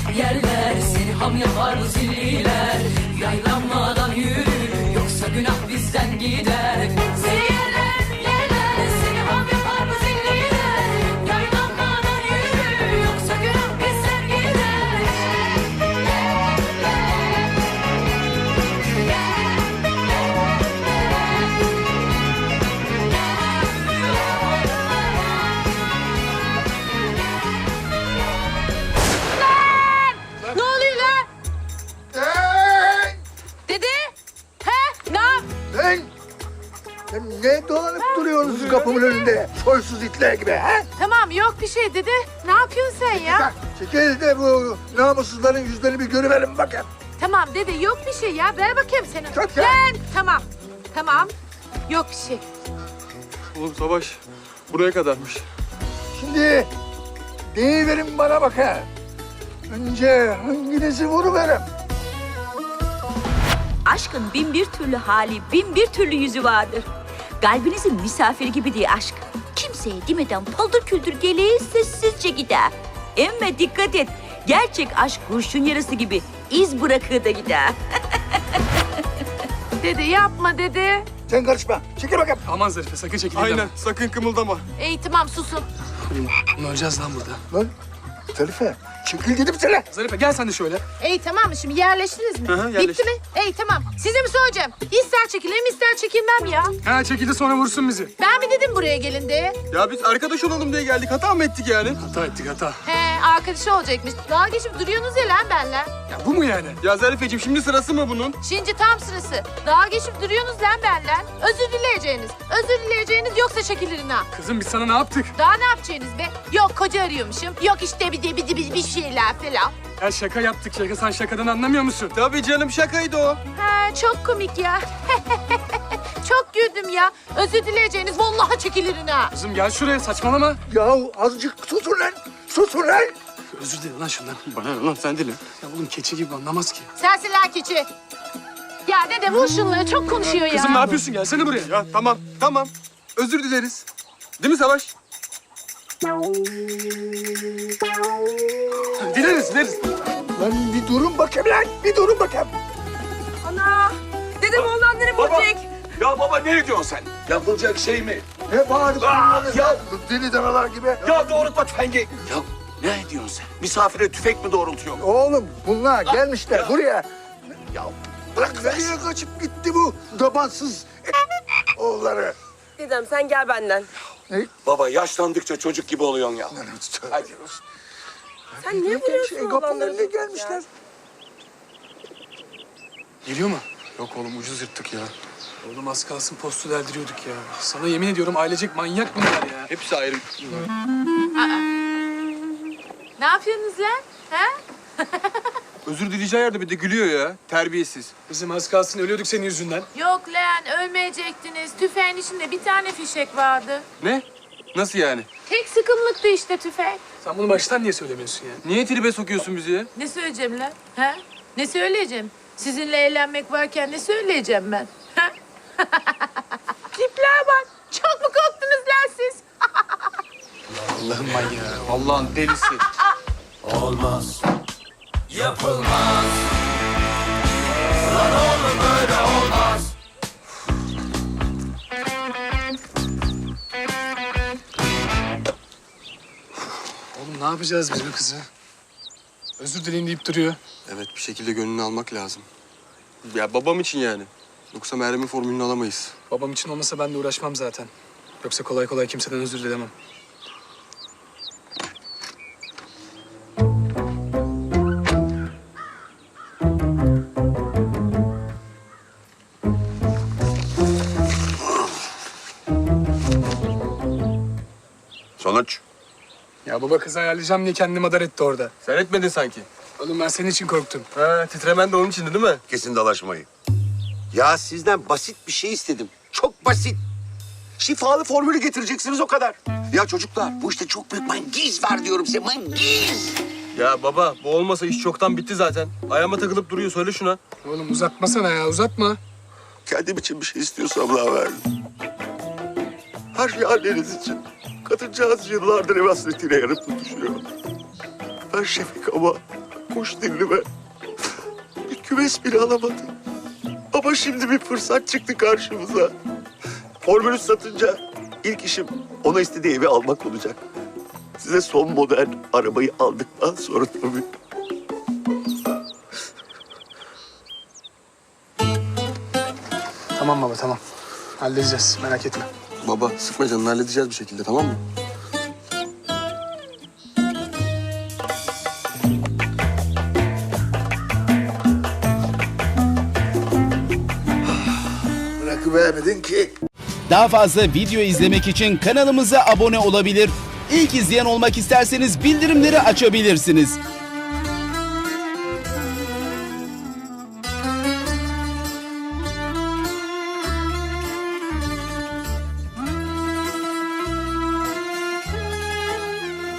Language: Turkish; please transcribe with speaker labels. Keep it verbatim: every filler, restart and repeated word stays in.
Speaker 1: yerler, seni ham yapar bu zilliler. Yaylanmadan yürü, yoksa günah bizden gider. Seni yerler, yerler, seni ham yapar bu zilliler. Yaylanmadan yürü, yoksa günah bizden gider.
Speaker 2: Ne oluyor lan?
Speaker 3: Hey!
Speaker 2: Dede? He? Ne yap?
Speaker 3: Lan! Sen ne dolanıp duruyorsunuz kapımın önünde? Soysuz itler gibi ha?
Speaker 2: Tamam yok bir şey dede. Ne yapıyorsun sen ya?
Speaker 3: Bak çekil de bu namussuzların yüzlerini bir görüverin bakın.
Speaker 2: Tamam dede yok bir şey ya. Ver bakayım seni.
Speaker 3: Tut ya.
Speaker 2: Lan tamam. Tamam. Yok bir şey.
Speaker 4: Oğlum Savaş buraya kadarmış.
Speaker 3: Şimdi deyiverin bana bakın. Önce hanginizi vuruverim?
Speaker 5: Aşkın bin bir türlü hali, bin bir türlü yüzü vardır. Kalbinizin misafiri gibi diye aşk. Kimseye demeden paldır küldür geleği sessizce gider. Emme dikkat et. Gerçek aşk kurşun yarası gibi iz bırakır da gider.
Speaker 2: Dede yapma dede.
Speaker 3: Sen karışma. Çekil bakayım.
Speaker 6: Aman Zarife sakın çekil.
Speaker 4: Aynen sakın kımıldama.
Speaker 2: İyi tamam susun.
Speaker 6: Bunu öleceğiz lan burada.
Speaker 3: Lan Zarife çekil dedim sana.
Speaker 6: Zarife gel sen de şöyle.
Speaker 2: İyi tamam şimdi yerleştiniz mi?
Speaker 4: Hı hı, yerleştik.
Speaker 2: Bitti mi? İyi tamam. Size mi söyleyeceğim? İster çekilelim ister çekilmem ya.
Speaker 6: Ha çekildi sonra vursun bizi.
Speaker 2: Ben mi dedim buraya gelin diye?
Speaker 4: Ya biz arkadaş olalım diye geldik. Hata mı ettik yani?
Speaker 6: Hata ettik hata.
Speaker 2: He arkadaşı olacakmış. Daha geçip duruyorsunuz ya lan benle.
Speaker 6: Ya bu mu yani?
Speaker 4: Ya Zarifeciğim şimdi sırası mı bunun?
Speaker 2: Şimdi tam sırası. Daha geçip duruyorsunuz lan benle. Özür dileyeceğiniz. Özür dileyeceğiniz yoksa çekilirin ha.
Speaker 6: Kızım biz sana ne yaptık?
Speaker 2: Daha ne yapacaksınız be? Yok koca arıyormuşum. Yok işte bir de bir de bir, bir şeyler falan.
Speaker 6: Ya şaka yaptık şaka. Sen şakadan anlamıyor musun?
Speaker 4: Tabii canım şakaydı o.
Speaker 2: Ha çok komik ya. Çok güldüm ya. Özür dileyeceğiniz vallahi çekilirin ha.
Speaker 6: Kızım gel şuraya saçmalama.
Speaker 3: Yahu azıcık susun lan. Susun lan.
Speaker 6: Özür dile lan şundan.
Speaker 4: Bana ne lan sen dili.
Speaker 6: Ya oğlum keçi gibi anlamaz ki.
Speaker 2: Sensin lan keçi. Ya dede vur şunları çok konuşuyor ya.
Speaker 6: Kızım ne yapıyorsun? Gelsene buraya.
Speaker 4: Ya tamam tamam. Özür dileriz. Değil mi Savaş?
Speaker 6: Dileriz dileriz.
Speaker 3: Lan bir durun bakayım lan. Bir durun bakayım.
Speaker 5: Ana! Dedem oğlanları
Speaker 7: Baba!
Speaker 5: bulacak.
Speaker 7: Ya baba ne diyorsun sen? Yapılacak şey mi?
Speaker 3: Ne bağırıp duruyorsunuz
Speaker 7: ya.
Speaker 3: ya? Deli danalar gibi.
Speaker 7: Ya doğrultma tüfengi. Ya ne diyorsun sen? Misafire tüfek mi doğrultuyor?
Speaker 3: Oğlum bunlar gelmişler
Speaker 7: ya.
Speaker 3: buraya.
Speaker 7: Ya
Speaker 3: Bırak nereye kaçıp gitti bu dabansız oğulları.
Speaker 8: Dedem sen gel benden.
Speaker 7: baba yaşlandıkça çocuk gibi oluyorsun ya. Hadi.
Speaker 8: Sen niye vuruyorsun
Speaker 3: Şey, kapının
Speaker 8: oğlanları
Speaker 3: önüne
Speaker 8: çok ya?
Speaker 3: gelmişler.
Speaker 6: Geliyor mu? Yok oğlum ucuz yırttık ya. Oğlum az kalsın postu deldiriyorduk ya. Sana yemin ediyorum ailecek manyak bunlar ya.
Speaker 4: Hepsi ayrı.
Speaker 2: Ne yapıyorsunuz lan? Ha?
Speaker 4: Özür dileyeceği yerde bir de gülüyor ya. Terbiyesiz.
Speaker 6: Bizim az kalsın ölüyorduk senin yüzünden.
Speaker 2: Yok lan ölmeyecektiniz. Tüfeğin içinde bir tane fişek vardı.
Speaker 4: Ne? Nasıl yani?
Speaker 2: Tek sıkımlıktı işte tüfek.
Speaker 6: Sen bunu baştan niye söylemiyorsun ya?
Speaker 4: Niye tribe sokuyorsun bizi ya?
Speaker 2: Ne söyleyeceğim lan? Ha? Ne söyleyeceğim? Sizinle eğlenmek varken ne söyleyeceğim ben? Ha? Tiplere bak. Çok mu korktunuz lan siz?
Speaker 6: Allah'ım manyağı.
Speaker 4: Allah'ın delisi.
Speaker 9: Olmaz, yapılmaz. Lan oğlum böyle olmaz.
Speaker 6: Oğlum ne yapacağız biz bu kızı? Özür dileyin deyip duruyor.
Speaker 4: Evet bir şekilde gönlünü almak lazım. Ya babam için yani. Yoksa Meryem'in formülünü alamayız.
Speaker 6: Babam için olmasa ben de uğraşmam zaten. Yoksa kolay kolay kimseden özür dilemem.
Speaker 7: Sonuç?
Speaker 6: Ya baba kızı ayarlayacağım diye kendini madar etti orada.
Speaker 4: Sen etmedin sanki.
Speaker 6: Oğlum ben senin için korktum.
Speaker 4: Ha, titremen de onun içindi değil mi?
Speaker 7: Kesin dalaşmayı. Ya sizden basit bir şey istedim. Çok basit. Şifalı formülü getireceksiniz o kadar. Ya çocuklar bu işte çok büyük mangiz var diyorum size. Mangiz.
Speaker 4: Ya baba bu olmasa iş çoktan bitti zaten. Ayağıma takılıp duruyor söyle şuna.
Speaker 6: Oğlum uzatmasana ya uzatma.
Speaker 7: Kendim için bir şey istiyorsam daha ver. Her şey anneniz için. Kadıncağız yıllardır ev hasretiyle yanıp tutuşuyor. Ben Şefik ama kuş dilime. Bir kümes bile alamadı. Ama şimdi bir fırsat çıktı karşımıza. Formülü satınca ilk işim ona istediği evi almak olacak. Size son model arabayı aldıktan sonra tabii.
Speaker 6: Tamam baba tamam. Halledeceğiz merak etme.
Speaker 4: Baba sıkma canını, halledeceğiz bir şekilde, tamam mı?
Speaker 3: Bırakıvermedin ki.
Speaker 10: Daha fazla video izlemek için kanalımıza abone olabilir. İlk izleyen olmak isterseniz bildirimleri açabilirsiniz.